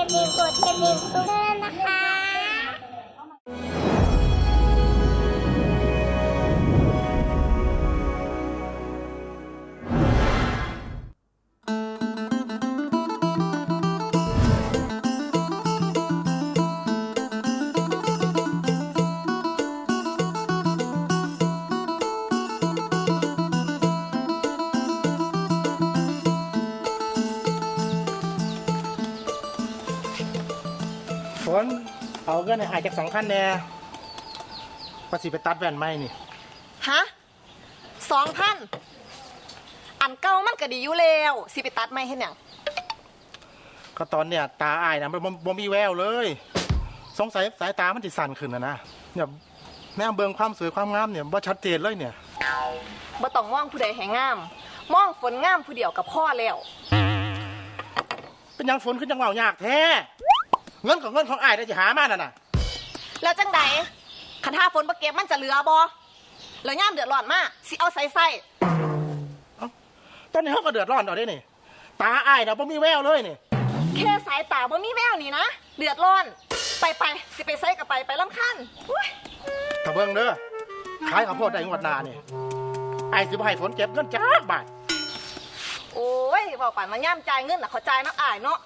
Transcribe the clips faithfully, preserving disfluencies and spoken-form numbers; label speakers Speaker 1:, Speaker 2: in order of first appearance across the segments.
Speaker 1: ดิ่งกดกระดิ่งเพื่อนนะคะ
Speaker 2: ฝนเอาเงินให้อายจากสองพันแน่ภาษีไปตัดแว่นไหมนี่
Speaker 3: ฮะสองพันอันเก่ามันก็ดีอยู่แล้วสิไปตัดไม่เห็นหยัง
Speaker 2: ก็ตอนเนี้ยตาอายนะมันบ่มีแววเลยสงสัยสายตามันติสั่นขึ้นนะนะเนี่ยแม่เบิ่งความสวยความงามเนี่ยบ่ชัดเจนเลยเนี่ย
Speaker 3: บ่ต้องมองผู้ใดให้งามมองฝนงามผู้เดียวกับพ่อแล้ว
Speaker 2: เป็นยังฝนขึ้นจังเว้ายากแท้เงินของเงินของอายได้จะหามาน่ะนะ
Speaker 3: แล้วจังใดคันถ้าฝนบ่เก็บมันจะเหลือบ่แล้วย่ามเดือดร้อนมาสิเอาใส่ใส่
Speaker 2: ตอนนี้เขาก็เดือดร้อนเอาได้นี่ตาอายนะบ่มีแววเลยนี่
Speaker 3: แค่สายตาบ่มีแววนี่นะเดือดร้อนไปไปสิไปใส่กับไปไปลำคัน
Speaker 2: ถ้าเบิ่งเด้อขายข้าวโพดได้งวดหน้านี่อายสิบ่ให้ฝนเก็บเงินจักบาท
Speaker 3: โอ้ยเว้าปานมาย่ามจ่ายเงินน่ะเขาจ่ายน้ำอายเนาะ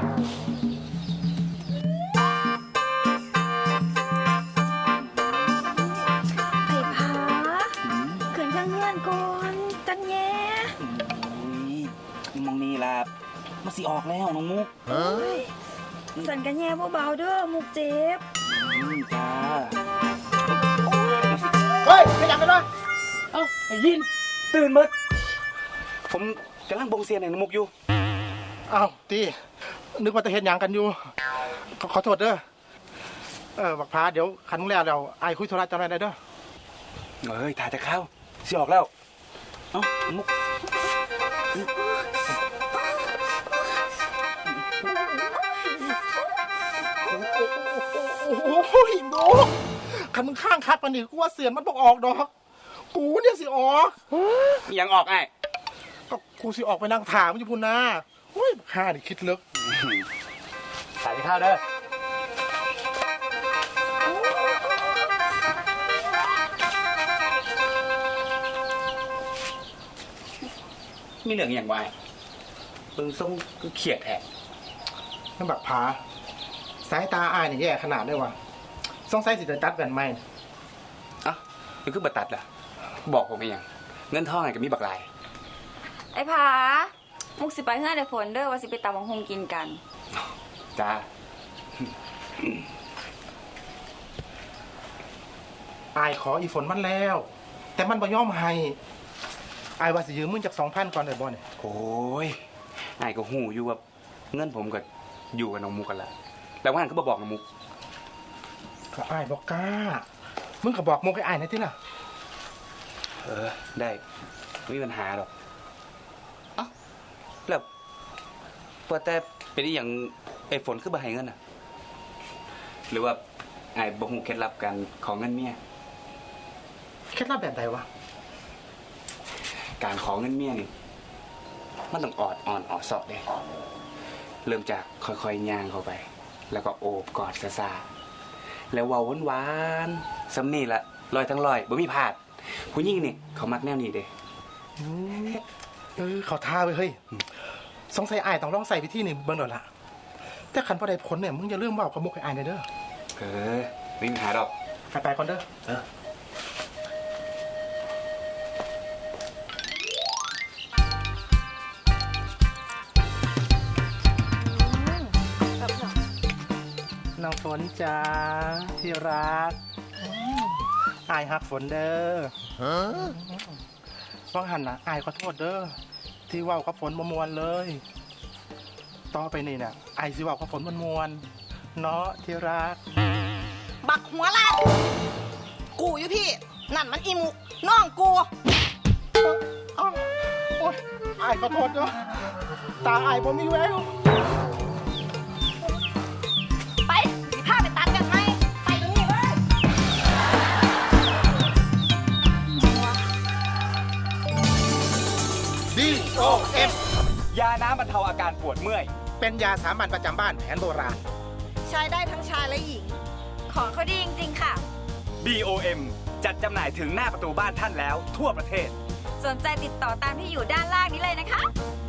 Speaker 4: มองนี่ล่ะมาสิออกแล้วน้องมุกเฮ้ย
Speaker 5: สั่นกันแย่เบาๆเด้อมุกเจ็บ
Speaker 4: อืมจ้า
Speaker 2: เฮ้ยขยับไปด้วยเอ้าไอ้ยิน
Speaker 4: ตื่นมึดผมกำลังบงเซียนให้น้องมุกอยู่
Speaker 2: เอ้าตีนึกว่าจะเห็นอย่างกันอยู่ขอโทษเด้อเออบักพาเดี๋ยวคันมึงแล้วเราไอ้คุยโทรศัพท์จำได้เด้อ
Speaker 4: เฮ้ยถ่ายแต่ข้าวสิออกแล้วเอ้ามุก
Speaker 2: โอ้ยโมคันมึงข้างคัดปะนี่กูว่าเสียนมันบอกออกดอกกูเนี่ยสิออก
Speaker 4: ยังออกไอ้
Speaker 2: ก็กูสิออกไปนั่งถามอยู่พุ่นนะโอ้ยข้าดิคิดลึก
Speaker 4: ถ่ายข้าวเด้อมีเหลืองอย่างไรเบิ่งส่งก็เขียดแทะ
Speaker 2: นั่นบักผาสายตาอายนี่แย่ขนาดได้วะสงสัยสิจะตัดแว่นไหม
Speaker 4: อ่ะมันคือบัตัดล่ะบอกผมไม่ยังเงินทองไงก็มีบักลาย
Speaker 5: ไอ้ผามุกสิไปเฮือได้ฝนเด้อว่าสิไปตำบักหุ่งกินกัน
Speaker 4: จ้า
Speaker 2: อายขออีฝนมันแล้วแต่มันบ่ยอมให้อายว่าสิยืมมึงจากสองพันก่อนได้บ่เนี่ย
Speaker 4: โอ้ยไอ้ก็หูอยู่ว่าเงินผมก็อยู่กับน้องมุกกันละแต่ว่าอันก็บอกน้องมุก
Speaker 2: ก็อายบอกกล้ามึงก็บอกมุกให้อายหน่อยที่ล่ะ
Speaker 4: เออได้ไม่มีปัญหาหรอกเอ้าแล้วพอแต่เป็นอย่างไอ้ฝนคือบ่ให้เงินอ่ะหรือว่าไอ้บ่ฮู้เคล็ดลับกันของเงินเมีย
Speaker 2: เคล็ดลับแบบใดวะ
Speaker 4: การขอเงินเมียนี่มันต้องออดอ่อนออดเสาะเด้เริ่มจากค่อยๆย่างเข้าไปแล้วก็โอบกอดซาซาแล้วเว้าหวานๆซ้ำนี่ละลอยทั้งลอยบ่มีพลาดผู้หญิงนี่เขามักแนวนี้เด้
Speaker 2: เออเขาท่าไปเฮ้ยสงสัยอายต้องลองใส่วิธีนี่เบิ่งดอกละแต่คันพอได้ผลเนี่ยมึงอย่าลืมเว้ากับมุกให้อายหน่อยเด้อ
Speaker 4: เออไม่มีปัญหาดอก
Speaker 2: ไปๆก่อนเด้อเออน้องฝนจ้าที่รักอายฮักฝนเด้อฟังหันนะอายขอโทษเด้อที่ว่ากับฝนมวนเลยต่อไปนี่น่ะอายสิว่ากับฝนมวนเนาะที่รัก
Speaker 3: บักหัวลาดกูอยู่พี่นั่นมันอีมุกน้องกู
Speaker 2: อ้าวโอ๊ยอายขอโทษเด้อตาอายบ่มีแวว
Speaker 3: ไปสิพาไปตัดกันไหมไปตรงนี้เลย
Speaker 2: ดีโอเอฟ
Speaker 4: ยาน้ำบรรเทาอาการปวดเมื่อย
Speaker 2: เป็นยาสามัญประจำบ้านแผนโบราณ
Speaker 3: ใช้ได้ทั้งชายและหญิง
Speaker 5: ของเขาดีจริงๆค่ะ
Speaker 6: บี โอ เอ็ม จัดจำหน่ายถึงหน้าประตูบ้านท่านแล้วทั่วประเทศ
Speaker 5: สนใจติดต่อตามที่อยู่ด้านล่างนี้เลยนะคะ